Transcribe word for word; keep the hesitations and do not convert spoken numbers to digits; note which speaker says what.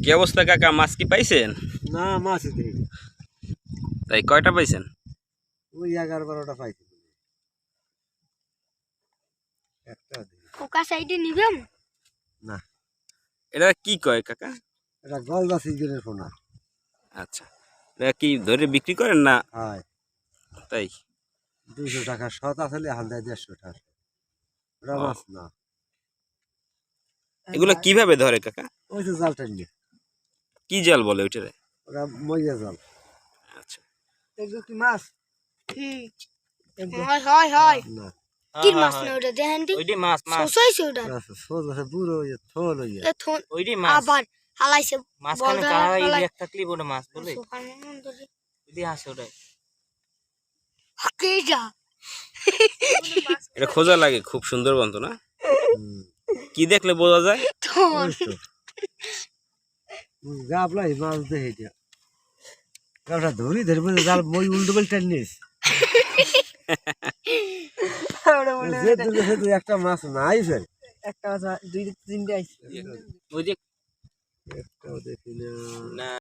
Speaker 1: কি অবস্থা কাকা, মাছ কি পাইছেন?
Speaker 2: না মাছই দেই
Speaker 1: তাই কয়টা পাইছেন?
Speaker 2: ওই এগারো বারোটা পাইছি একটা দেই
Speaker 3: কোকা সাইডে নিবেন
Speaker 2: না।
Speaker 1: এটা কি কয় কাকা?
Speaker 2: এটা গলদা সিজনের ফোনা।
Speaker 1: আচ্ছা, এটা কি ধরে বিক্রি করেন না?
Speaker 2: হয়
Speaker 1: তাই
Speaker 2: দুইশো টাকা শত আসলে হাল দেয় দেড়শো টাকা। ওটা
Speaker 1: ও।
Speaker 2: মাছ না,
Speaker 1: এগুলো কিভাবে ধরে কাকা?
Speaker 2: ওই তো জাল টানিয়ে
Speaker 1: কি জাল বলে ওইটারে?
Speaker 2: ওরা মইয়া জাল।
Speaker 1: আচ্ছা,
Speaker 2: এগুলো কি মাছ?
Speaker 3: হুম হয় হয় হয়
Speaker 2: না
Speaker 3: কি মাছ না ওটা দেখেন দি
Speaker 4: ওইডি মাছ মাছ
Speaker 3: সোসাইছে ওটা
Speaker 2: আচ্ছা সোজ আছে বুড়ো হইয়া থোল হইয়া
Speaker 3: এ থন
Speaker 4: ওইডি মাছ
Speaker 3: আবার হালাইছে
Speaker 4: মাছখানে
Speaker 3: বলদা
Speaker 4: কারা
Speaker 3: হালাই
Speaker 4: ইলিয়াক থাকলি বড় মাছ বলে
Speaker 3: সুখানে মন্দরি
Speaker 4: ওইডি আসে ওটাই
Speaker 3: কে যা
Speaker 1: এটা খোঁজা লাগে খুব সুন্দরবন তো না?
Speaker 2: হুম।
Speaker 1: কি দেখলে বোঝা যায়?
Speaker 3: থন
Speaker 2: ওই তো গাবলাই মাছ দেখে দিয়া গাবটা ধরি ধরবে জাল মই উল্টো বেল টানিস যে দুটো সে দুই একটা মাছ নাই ফের
Speaker 5: একটা মাছ দুই তিনটে আইছে
Speaker 4: ওই যে
Speaker 2: একটাও দেখি না।
Speaker 4: না